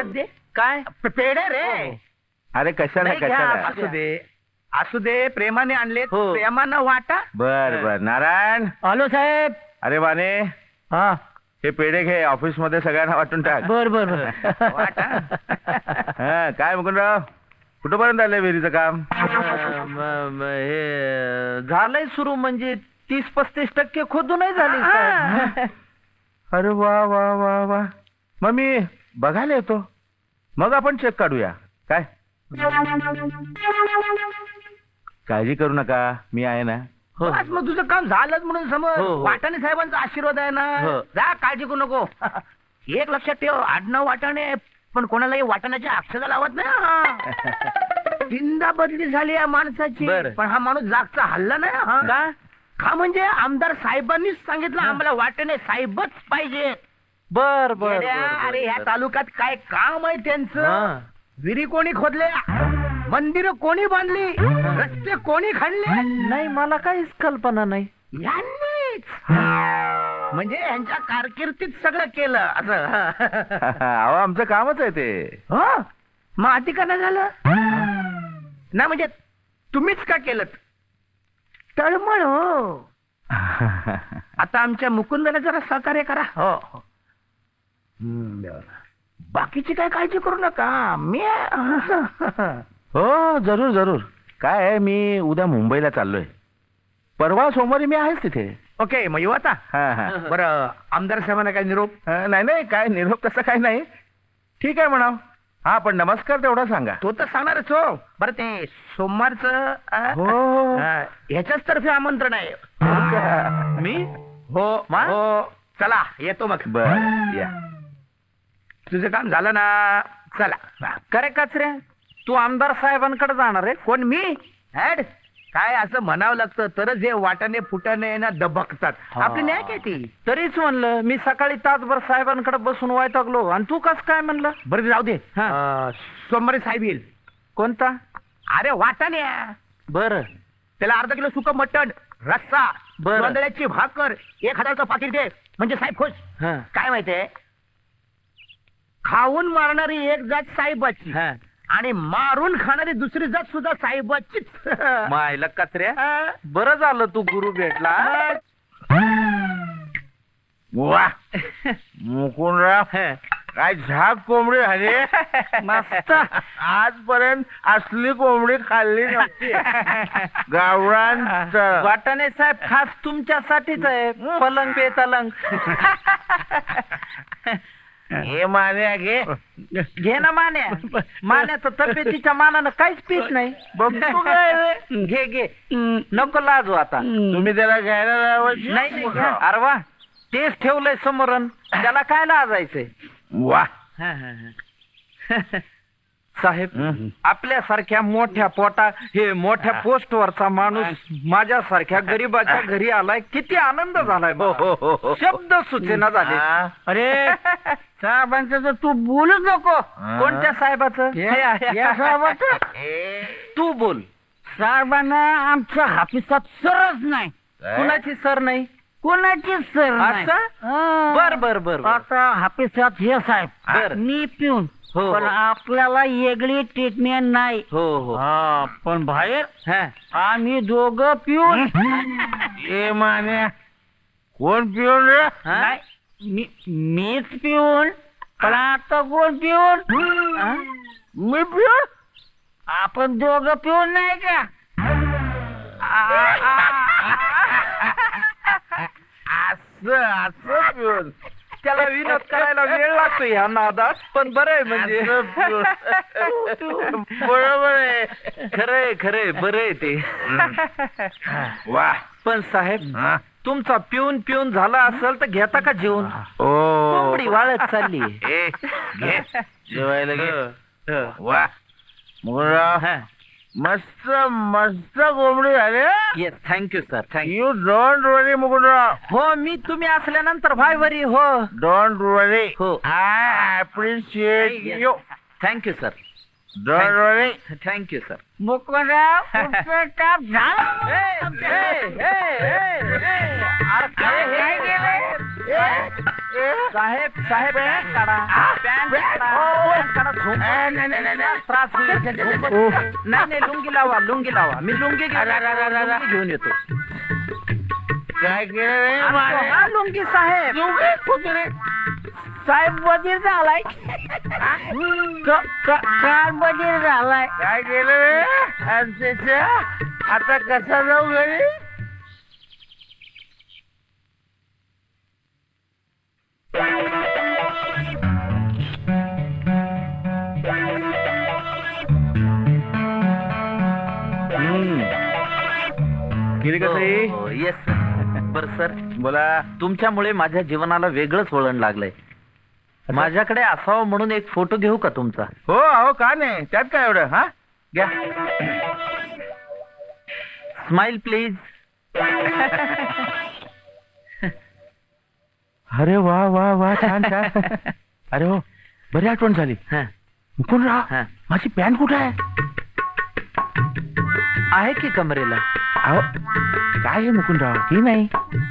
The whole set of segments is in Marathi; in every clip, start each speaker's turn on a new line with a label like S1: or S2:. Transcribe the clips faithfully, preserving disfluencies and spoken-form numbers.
S1: दे.
S2: काय
S1: पे- पेढे रे.
S3: अरे कशाला
S2: नाही, घ्या,
S3: कशाला
S1: असू दे असू दे प्रेमाने आणले
S2: हो.
S1: प्रेमानं वाटा.
S3: बर बर नारायण.
S1: हॅलो साहेब.
S3: अरे बाने
S1: हा
S3: हे पेढे घे ऑफिस मध्ये सगळ्यांना वाटून टाक.
S1: बर बर वाटा.
S3: हा काय मुकुंदराव कुठपर्यंत आलंय विहिरीचं काम?
S2: म- म- हे झालंय सुरू म्हणजे तीस पस्तीस टक्के खोदूनही झाली साहेब.
S3: अरे वा वा वा वा मग मी बघायला येतो मग आपण चेक काढूया काय. काळजी करू नका मी आहे ना.
S2: हो.
S1: बस मग तुझं काम झालंच म्हणून समज.
S2: हो, हो.
S1: वाटाणे साहेबांचा आशीर्वाद आहे ना.
S2: हो.
S1: जा काळजी करू नको. एक लक्षात ठेव आडनाव वाटाणे पण कोणालाही वाटाण्याच्या अक्षरा लावत नाही हा. चिंता बदली झाली या माणसाची
S2: बरं.
S1: पण हा माणूस जागचा हल्ला नाही हा.
S2: का
S1: का म्हणजे आमदार साहेबांनीच सांगितलं आम्हाला वाटाणे साहेबच पाहिजे.
S2: बर बर,
S1: येड्या,
S2: बर,
S1: अरे ह्या
S2: बर.
S1: तालुक्यात काय काम आहे त्यांचं.
S2: हा.
S1: विहिरी कोणी खोदल्या मंदिरं कोणी बांधली रस्ते कोणी खणले
S2: नाही मला काहीच कल्पना नाही.
S1: यांनीच. म्हणजे यांच्या कारकिर्दीत सगळं केलं असं.
S3: अहो आमचं कामच आहे ते.
S1: हो मग आधी का नाही झालं ना म्हणजे तुम्हीच का केलं तळमळ हो. आता आमच्या मुकुंदला जरा सहकार्य करा. हो हो. हम्म, बरं. बाकीची काय काळजी करू नका मी
S3: हो जरूर जरूर. काय आहे मी उद्या मुंबईला चाललोय. परवा सोमवारी मी आहेच तिथे.
S1: ओके मग येऊ आता.
S3: हा हा
S1: बरं आमदार साहेबांना काय निरोप.
S3: हा, नाही नाही काय निरोप तसं काय नाही. ठीक आहे म्हणाव. हा पण नमस्कार तेवढा सांगा.
S1: तो तर सांगणारच हो. बरं ते सोमवारचं अ,
S3: हो.
S1: अ, ह्याच्याच तर्फे आमंत्रण आहे.
S3: हो का?
S2: मी
S1: हो
S2: मा?
S1: हो चला येतो मग.
S3: बर या.
S1: तुझं काम झालं ना. चला.
S2: करे कचऱ्या तू आमदार साहेबांकडे जाणार आहे.
S1: कोण मी ऍड काय असं म्हणावं लागतं तरच हे वाटाणे फुटाणे ना दबकतात.
S2: हा.
S1: आपली न्याय काय ती.
S2: तरीच म्हणलं मी सकाळी तासभर साहेबांकडे बसून वैतागलो आणि तू कस काय म्हणलं.
S1: बरं ते जाऊ दे.
S2: हा.
S1: अ, सोमवारी साहेब येईल.
S2: कोणता.
S1: अरे वाटाणे
S2: बर
S1: त्याला अर्धा किलो सुकं मटण रस्सा
S2: बरं.
S1: तांदळाची भाकर एक हजारचं पाकिट दे म्हणजे साहेब खुश.
S2: हा
S1: काय माहितीये खाऊन मारणारी एक जात साहेबाची
S2: हा
S1: आणि मारून खाणारी दुसरी जात सुद्धा साहेबाचीच.
S2: मायला कचऱ्या
S1: हा.
S2: बरं झालं तू गुरु भेटला.
S3: वा मुकुंदराव
S2: हा.
S3: काय झाक कोंबडी झाली.
S2: मस्त.
S3: आजपर्यंत असली कोंबडी खाल्ली नव्हती. गावरान च-
S2: वाटाणे साहेब खास तुमच्यासाठीच आहे. पलंग पे तलंग.
S3: हे मान्या घे.
S2: घे ना मान्या. मान्याचं तब्येतीच्या मानानं काहीच पीत नाही.
S3: बघतो काय रे?
S2: घे घे नको लाजू आता.
S3: तुम्ही त्याला घ्यायला लावायची?
S2: नाही नाही घ्या. अरे वा तेच ठेवलंय समोरन त्याला काय लाजायचंय.
S3: वा
S2: साहेब
S3: हं.
S2: आपल्यासारख्या मोठ्या पोटा हे मोठ्या पोस्टवरचा माणूस माझ्यासारख्या गरीबाच्या घरी आलाय किती आनंद झालाय.
S3: हो, हो, हो, हो.
S2: शब्द सुचेना झाले.
S3: हा.
S1: अरे साहेबांचं तर तू बोलूच नको.
S2: कोणत्या साहेबाचं.
S1: या- या साहेबाचं.
S2: तू बोल.
S1: साहेबांना आमच्या हापिसात सरच नाही.
S3: काय?
S2: कुणाची सर नाही.
S1: कोणाची सर नाही.
S2: असं?
S1: हा.
S2: बर बर बर बर.
S1: आता हापिसात हे साहेब
S2: बर.
S1: मी पिऊन
S2: हो,
S1: पण
S2: हो.
S1: आपल्याला वेगळी ट्रीटमेंट नाही.
S2: हो हो
S1: हा पण बाहेर
S2: हा.
S1: आम्ही दोघं पिऊन
S3: ए मान्या कोण पिऊन रे?
S2: हा?
S1: नाही मी मीच पिऊन पण आता कोण पिऊन.
S2: हा?
S3: मी पिऊन?
S1: आपण दोघं पिऊन नाही का.
S3: असं असं पिऊन.
S2: त्याला विनोद करायला वेळ लागतो ह्या नादात पण बरं आहे म्हणजे.
S3: असं पिऊन. बरोबर आहे.
S2: खरंय खरंय बरं आहे ते.
S3: वा
S2: पण साहेब
S3: हा.
S2: तुमचा पिऊन पिऊन झाला असेल तर घेता का जेवण.
S3: ओ
S2: कोंबडी वाळत चालली.
S3: ए घे जेवायला घे.
S2: ह.
S3: वा मुकुंदराव
S2: हा.
S3: मस्त मस्त कोंबडी झाली.
S2: Yes thank you sir thank you.
S3: You don't worry Mukundrao.
S2: हो मी तुम्ही असल्यानंतर भाई वरी. हो
S3: डोंट वरी.
S2: हो.
S3: I appreciate you.
S2: Thank you sir
S3: don't worry.
S2: Thank you sir.
S1: Mukundrao तुमचं काम झालं.
S2: साहेब साहेब पॅन्ट काढा. पॅन्ट काढा. पॅन्ट काढा. मला झोप
S1: आ, नाही, नाही, नाही, नाही.
S2: त्रास होईल. झोप-
S3: ओ.
S2: नाही नाही लुंगी लावा लुंगी लावा मी लुंगी घेऊन
S1: अरे, अरे, अरे, अरे.
S2: लुंगी घेऊन येतो.
S1: काय केलं रे
S2: आणतो
S1: मारे?
S2: हा लुंगी साहेब.
S1: तू काय कुत्रे?
S2: साहेब वजीर झालाय. क- क- काल वजीर झालाय.
S1: काय केलं रे आमच्याच्या? आता कसा जाऊ घरी?
S3: हम्म. गेली कसं
S2: येस बर सर
S3: बोला.
S2: तुमच्यामुळे माझ्या जीवनाला वेगळंच वळण लागलंय. माझ्याकडे असावं म्हणून एक फोटो घेऊ का तुमचा?
S3: हो अहो का नाही, त्यात काय एवढं. हा घ्या.
S2: Smile please.
S3: अरे वा वा वा छान छान. अरे हो बरी आठवण झाली. मुकुंद
S2: हा.
S3: राव माझी पॅन्ट कुठे आहे?
S2: आहे की कमरेला?
S3: अहो काय आहे मुकुंदराव, ही नाही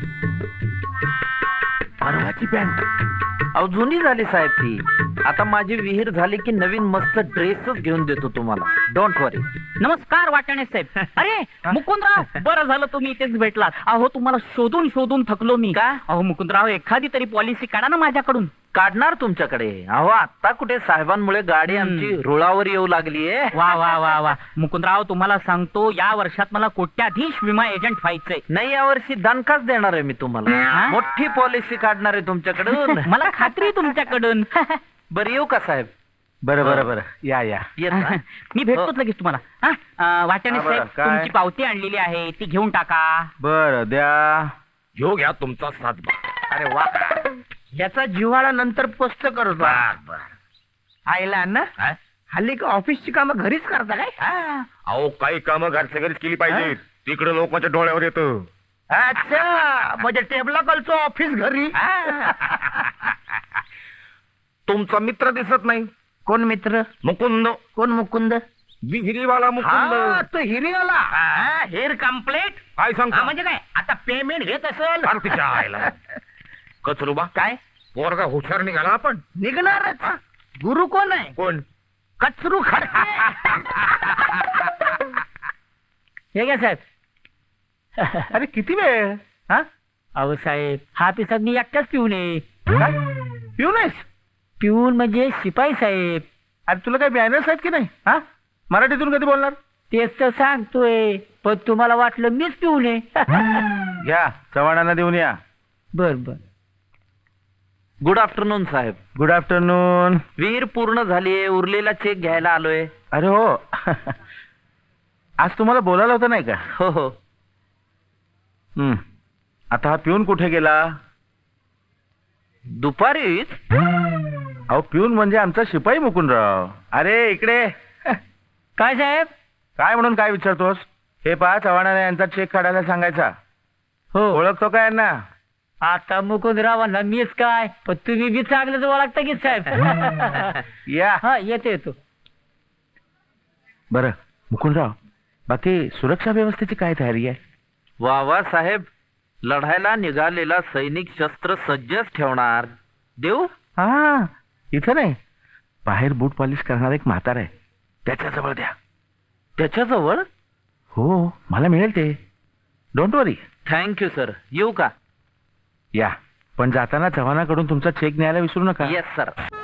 S3: परवाची पॅन्ट.
S2: अहो जुनी झाली साहेब ती. आता माझी विहीर झाली की नवीन मस्त ड्रेसच घेऊन देतो तुम्हाला. Don't worry.
S4: नमस्कार वाटाणे साहेब. अरे मुकुंदराव बरं झालं तुम्ही इथेच भेटलात. अहो तुम्हाला शोधून शोधून थकलो मी.
S2: का?
S4: अहो मुकुंदराव एखादी तरी पॉलिसी काढा ना माझ्याकडून.
S2: काढणार तुमच्याकडे. अहो आता कुठे साहेबांमुळे गाडी
S4: हम्म.
S2: आमची रुळावर येऊ लागलीये.
S4: वा वा वा वा मुकुंदराव तुम्हाला सांगतो या वर्षात मला कोट्याधीश विमा एजंट व्हायचंय.
S2: नाही यावर्षी दणकाच देणार आहे मी तुम्हाला.
S4: हा?
S2: मोठी पॉलिसी काढणार आहे तुमच्याकडून.
S4: मला खात्री आहे तुमच्याकडून.
S2: बरं येऊ का साहेब?
S3: बरं बरं बरं या या.
S2: येत ना?
S4: मी भेटतोच लगेच तुम्हाला. हा? अं, वाटाणे
S3: हा, बरं,
S4: साहेब
S3: काय?
S4: तुमची पावती आणलेली आहे ती घेऊन टाका.
S3: बरं द्या.
S5: घेऊ घ्या तुमचा सातबार.
S1: अरे वा, याचा जिव्हाळा नंतर पोस्ट करतो. आईला ना
S5: काय?
S1: हल्ली का ऑफिसची कामं घरीच करता काय?
S5: अहो काही कामं घरच्या घरीच केली पाहिजे. तिकडे लोकांच्या डोळ्यावर येतं.
S1: अच्छा म्हणजे टेबला कलचो ऑफिस घरी.
S5: तुमचा मित्र दिसत नाही.
S1: कोण मित्र?
S5: मुकुंद,
S1: कोण मुकुंद?
S5: विहिरीवाला मुकुंद.
S1: हा तो हिरियाला. हेअर कम्प्लीट
S5: काय सांगता?
S1: म्हणजे काय आता पेमेंट घेत असेल.
S5: फार तिच्या आईला. कचरुबा
S1: काय
S5: पोरगा हुशार निघाला आपण.
S1: निघणारच. गुरु कोण आहे?
S5: कोण?
S1: कचरू खडके.
S4: हे घ्या साहेब.
S3: अरे किती वेळ. हा
S4: अहो साहेब हा पिसाद मी एकटाच पिऊन आहे.
S3: काय पिऊ नाहीस?
S4: पिऊन म्हणजे शिपाई साहेब.
S3: अरे तुला काही बॅनर्स आहेत की नाही? हा मराठीतून कधी बोलणार?
S4: तेच तर सांगतोय पण तुम्हाला वाटलं मीच पिऊन आहे.
S3: घ्या चव्हाणांना देऊन या.
S4: बर बर.
S2: गुड आफ्टरनून साहेब.
S3: Good afternoon.
S2: विहीर पूर्ण झालीये. उरलेला चेक घ्यायला आलोय.
S3: अरे हो आज तुम्हाला बोलायला होतं नाही का?
S2: हो हो.
S3: हम्म. आता हा पिऊन कुठे गेला?
S2: दुपारीच?
S3: अहो पिऊन म्हणजे आमचा शिपाई मुकुंदराव. अरे इकडे.
S4: काय साहेब?
S3: काय म्हणून काय विचारतोस? हे पहा चव्हाणाने यांचा चेक काढायला सांगायचा.
S4: हो
S3: ओळखतो का यांना?
S4: आता मुकुंदरावांना मीच काय पण तुम्ही बी चांगलंच ओळखता की साहेब.
S3: या.
S4: हा येतो येतो.
S3: बरं मुकुंदराव बाकी सुरक्षा व्यवस्थेची काय तयारी आहे?
S2: वा वा साहेब. लढायला निघालेला सैनिक शस्त्र सज्जच ठेवणार. देऊ?
S3: हा इथं नाही, बाहेर बूट पॉलिश करणार एक म्हातार आहे त्याच्याजवळ द्या.
S2: त्याच्याजवळ?
S3: हो मला मिळेल ते. Don't worry.
S2: Thank you sir. येऊ का?
S3: या पण जाताना चव्हाणाकडून तुमचा चेक न्यायला विसरू नका.
S2: Yes sir.